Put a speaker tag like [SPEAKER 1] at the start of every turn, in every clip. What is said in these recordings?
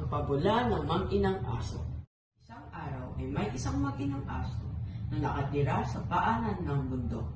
[SPEAKER 1] Ang pabula ng mag-inang aso. Isang araw ay may isang mag-inang aso na nakatira sa paanan ng bundok.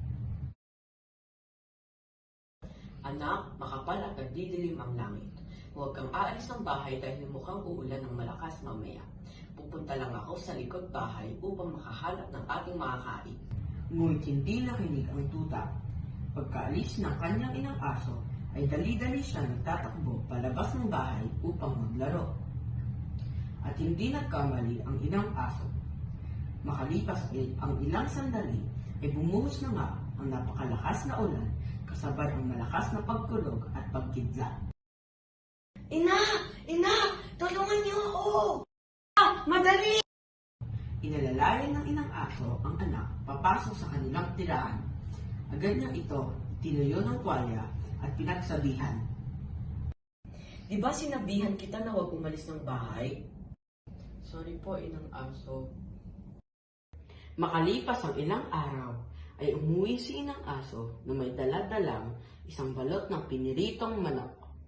[SPEAKER 1] Anak, makapal at nagdidilim ang langit. Huwag kang aalis ng bahay dahil mukhang uulan ng malakas mamaya. Pupunta lang ako sa likod bahay upang makahanap ng ating makakain. Ngunit hindi nakinig ang tuta. Pagkaalis ng kanyang inang aso, ay dali-dali siya nagtatakbo palabas ng bahay upang maglaro. At hindi nagkamali ang inang aso. Makalipas ang ilang sandali, ay bumuhos na nga ang napakalakas na ulan kasabay ang malakas na pagkulog at pagkidlat.
[SPEAKER 2] Ina! Ina! Tulungan niyo ako! Madali!
[SPEAKER 1] Inalalayan ng inang aso ang anak papasok sa kanilang tirahan. Agad niya ito tinuyo ng tuwalya at pinagsabihan.
[SPEAKER 2] Di ba sinabihan kita na huwag umalis ng bahay?
[SPEAKER 1] Sorry po, inang aso. Makalipas ang ilang araw, ay umuwi si inang aso na may dala-dalang isang balot ng piniritong manok.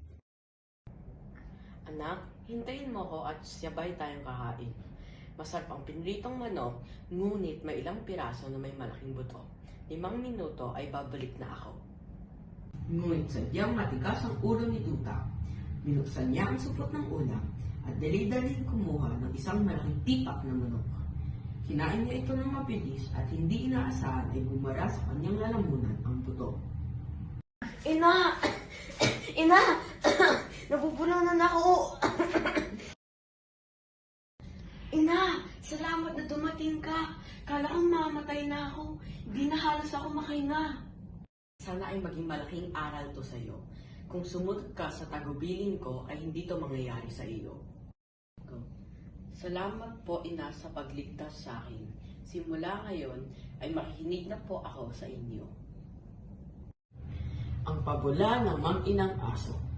[SPEAKER 2] Anak, hintayin mo ko at sabay tayong kakain. Masarap ang piniritong manok, ngunit may ilang piraso na may malaking buto. 5 minuto ay babalik na ako.
[SPEAKER 1] Ngunit sadyang matigas ang ulo ni Tuta. Binuksan niya ang supot ng ulam at dali-dali kumuha ng isang malaking tipak na manok. Kinain niya ito ng mabilis at hindi inaasahan ay bumara sa kanyang lalamunan ang buto.
[SPEAKER 2] Ina! Ina! Nabubulanan ako! Ina! Salamat na dumating ka! Kala kong mamatay na ako. Di na halos ako makahinga.
[SPEAKER 1] Sana ay maging malaking aral to sa iyo. Kung sumunod ka sa tagubilin ko, ay hindi to mangyayari sa iyo. Salamat po, ina, sa pagligtas sa akin. Simula ngayon, ay makikinig na po ako sa inyo. Ang pabula ng mag-inang aso.